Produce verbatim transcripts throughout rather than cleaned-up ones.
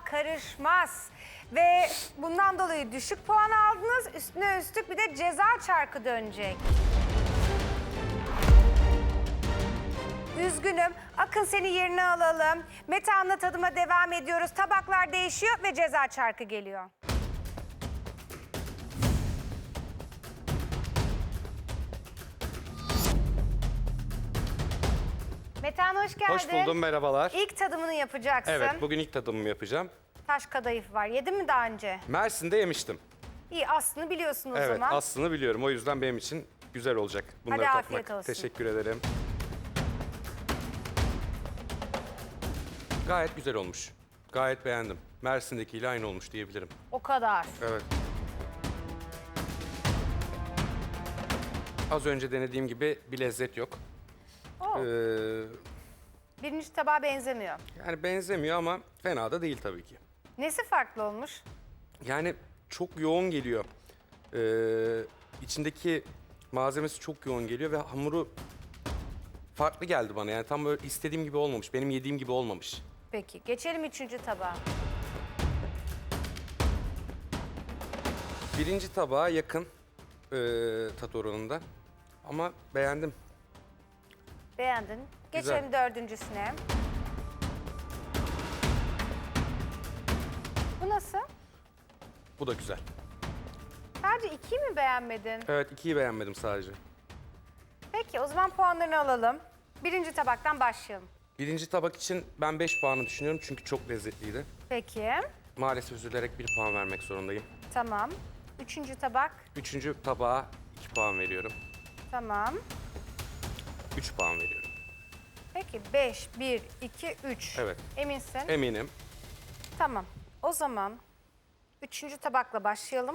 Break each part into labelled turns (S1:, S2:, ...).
S1: karışmaz. Ve bundan dolayı düşük puan aldınız. Üstüne üstlük bir de ceza çarkı dönecek. Üzgünüm. Akın seni yerine alalım. Metehan'la tadıma devam ediyoruz. Tabaklar değişiyor ve ceza çarkı geliyor. Metehan hoş geldin.
S2: Hoş buldum, merhabalar.
S1: İlk tadımını yapacaksın.
S2: Evet, bugün ilk tadımımı yapacağım.
S1: Taş kadayıf var. Yedin mi daha önce?
S2: Mersin'de yemiştim.
S1: İyi, aslını biliyorsun o
S2: Evet,
S1: zaman.
S2: aslını biliyorum. O yüzden benim için güzel olacak bunları
S1: Hadi
S2: tatmak.
S1: afiyet olsun.
S2: Teşekkür ederim. Gayet güzel olmuş. Gayet beğendim. Mersin'dekiyle aynı olmuş diyebilirim.
S1: O kadar.
S2: Evet. Az önce denediğim gibi bir lezzet yok.
S1: Oo.
S2: Ee,
S1: Birinci tabağa benzemiyor.
S2: yani benzemiyor ama fena da değil tabii ki.
S1: Nesi farklı olmuş?
S2: Yani çok yoğun geliyor. Ee, içindeki malzemesi çok yoğun geliyor ve hamuru farklı geldi bana. Yani tam böyle istediğim gibi olmamış, benim yediğim gibi olmamış.
S1: Peki, geçelim üçüncü tabağa.
S2: Birinci tabağa yakın ee, tat oranında ama beğendim.
S1: Beğendin. Geçelim dördüncüsüne. Bu nasıl?
S2: Bu da güzel.
S1: Sadece ikiyi mi beğenmedin?
S2: Evet, ikiyi beğenmedim sadece.
S1: Peki, o zaman puanlarını alalım. Birinci tabaktan başlayalım.
S2: Birinci tabak için ben beş puanı düşünüyorum çünkü çok lezzetliydi.
S1: Peki,
S2: Maalesef üzülerek bir puan vermek zorundayım.
S1: tamam. Üçüncü tabak,
S2: Üçüncü tabağa iki puan veriyorum.
S1: tamam.
S2: Üç puan veriyorum.
S1: Peki, beş, bir, iki, üç.
S2: Evet.
S1: Eminsin?
S2: Eminim.
S1: Tamam. O zaman üçüncü tabakla başlayalım.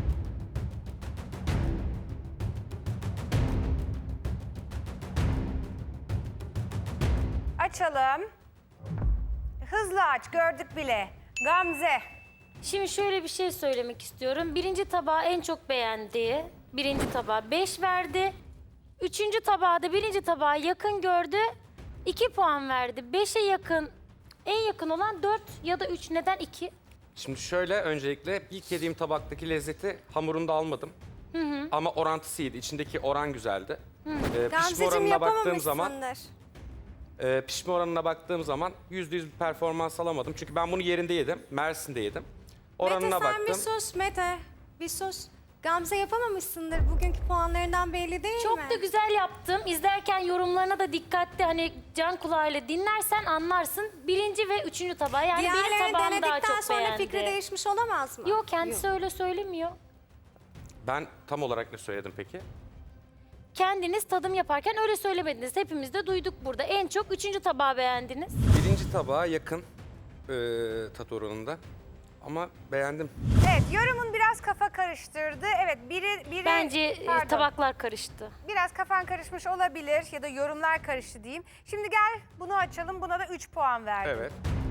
S1: Açalım. Hızlı aç, gördük bile. Gamze.
S3: Şimdi şöyle bir şey söylemek istiyorum. Birinci tabağı en çok beğendiği, birinci tabağa beş verdi. Üçüncü tabağı da birinci tabağa yakın gördü, iki puan verdi. Beşe yakın, en yakın olan dört ya da üç. Neden iki?
S2: Şimdi şöyle, öncelikle ilk yediğim tabaktaki lezzeti hamurunda almadım. Ama orantısı iyiydi. İçindeki oran güzeldi. Ee, pişme
S4: Gamzeciğim
S2: oranına baktığım zaman,
S4: yapamamışsındır.
S2: e, pişme oranına baktığım zaman yüzde yüz bir performans alamadım. Çünkü ben bunu yerinde yedim, Mersin'de yedim. Oranına
S4: Mete sen bir
S2: baktım.
S4: sus Mete. Bir sus. Gamze yapamamışsındır. Bugünkü puanlarından belli değil
S3: Çok
S4: mi?
S3: da güzel yaptım. İzlerken yorumlarına da dikkatli, hani can kulağıyla dinlersen anlarsın. Birinci ve üçüncü tabağı, yani benim
S4: Diğerlerini
S3: tabağım daha
S4: denedikten
S3: çok
S4: sonra
S3: beğendi.
S4: fikri değişmiş olamaz mı?
S3: Yok, kendisi öyle söylemiyor.
S2: Ben tam olarak ne söyledim peki?
S3: Kendiniz tadım yaparken öyle söylemediniz. Hepimiz de duyduk burada. En çok üçüncü tabağı beğendiniz.
S2: Birinci tabağa yakın e, tat oranında. Ama beğendim.
S1: Evet, yorumun biraz kafa karıştırdı. Evet, biri... biri
S3: Bence e,
S1: pardon,
S3: tabaklar karıştı.
S1: biraz kafan karışmış olabilir ya da yorumlar karıştı diyeyim. Şimdi gel bunu açalım. Buna da üç puan verdim.
S2: Evet.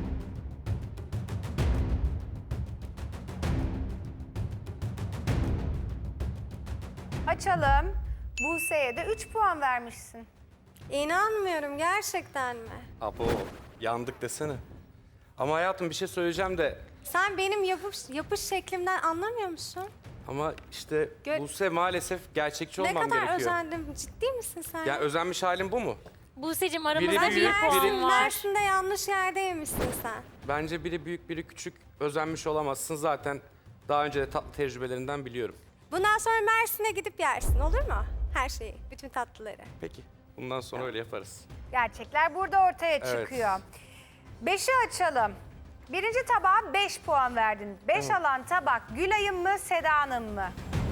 S1: Açalım. Buse'ye de üç puan vermişsin.
S4: İnanmıyorum gerçekten mi?
S2: Abo, yandık desene. Ama hayatım bir şey söyleyeceğim de
S4: Sen benim yapış, yapış şeklimden anlamıyor musun?
S2: ama işte
S4: Gö-
S2: Buse maalesef gerçekçi
S4: Ne
S2: olmam
S4: kadar
S2: gerekiyor.
S4: özendim. Ciddi misin sen?
S2: Yani özenmiş halim bu mu?
S3: Buse'cim aramızda
S2: Biri
S3: bir
S2: büyük,
S3: puan
S2: biri-
S3: var.
S4: Mersin'de yanlış yerdeymişsin sen.
S2: Bence biri büyük biri küçük, özenmiş olamazsın. Zaten daha önce de tatlı tecrübelerinden biliyorum.
S4: Bundan sonra Mersin'e gidip yersin, olur mu? Her şeyi, bütün tatlıları.
S2: Peki, bundan sonra öyle yaparız.
S1: Gerçekler burada ortaya
S2: Evet.
S1: çıkıyor. Beşi açalım. Birinci tabağa beş puan verdin. Beş alan tabak Gülay'ın mı, Seda'nın mı?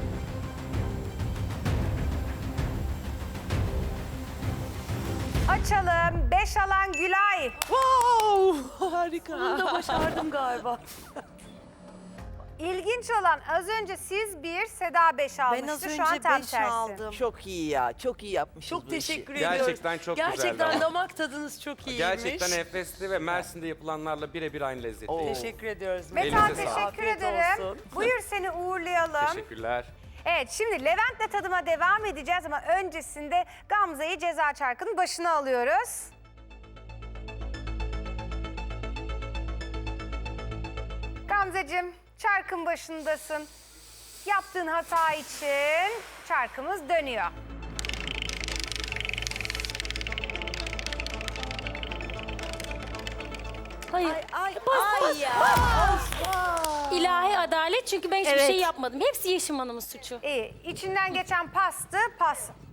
S1: Açalım. Beş alan Gülay.
S5: Wow, harika. Bunu da başardım galiba.
S1: İlginç olan az önce siz bir, Seda beş almıştı.
S5: Ben az
S1: Şu an
S5: önce
S1: tam
S5: beş
S1: tersi.
S5: aldım.
S6: Çok iyi ya, çok iyi yapmışız
S5: Çok
S6: bu
S5: teşekkür
S6: işi.
S5: ediyoruz.
S2: Gerçekten çok güzeldi
S5: Gerçekten
S2: ama.
S5: damak tadınız çok iyiymiş.
S2: Gerçekten enfesti ve Mersin'de yapılanlarla birebir aynı lezzetli.
S6: Oo.
S5: Teşekkür ediyoruz.
S1: Metan
S2: Elinize sağlık.
S1: teşekkür
S5: Afiyet
S1: ederim.
S5: olsun.
S1: Buyur seni uğurlayalım.
S2: Teşekkürler.
S1: Evet, şimdi Levent'le tadıma devam edeceğiz ama öncesinde Gamze'yi ceza çarkının başına alıyoruz. Gamzeciğim, çarkın başındasın. Yaptığın hata için çarkımız dönüyor.
S3: Hayır.
S4: Ay,
S3: Bas,
S4: ay
S3: bas,
S4: ya.
S3: İlahi adalet çünkü ben hiçbir
S5: Evet.
S3: şey yapmadım. Hepsi Yeşim Hanım'ın suçu.
S1: İyi. İçinden geçen pastı, pas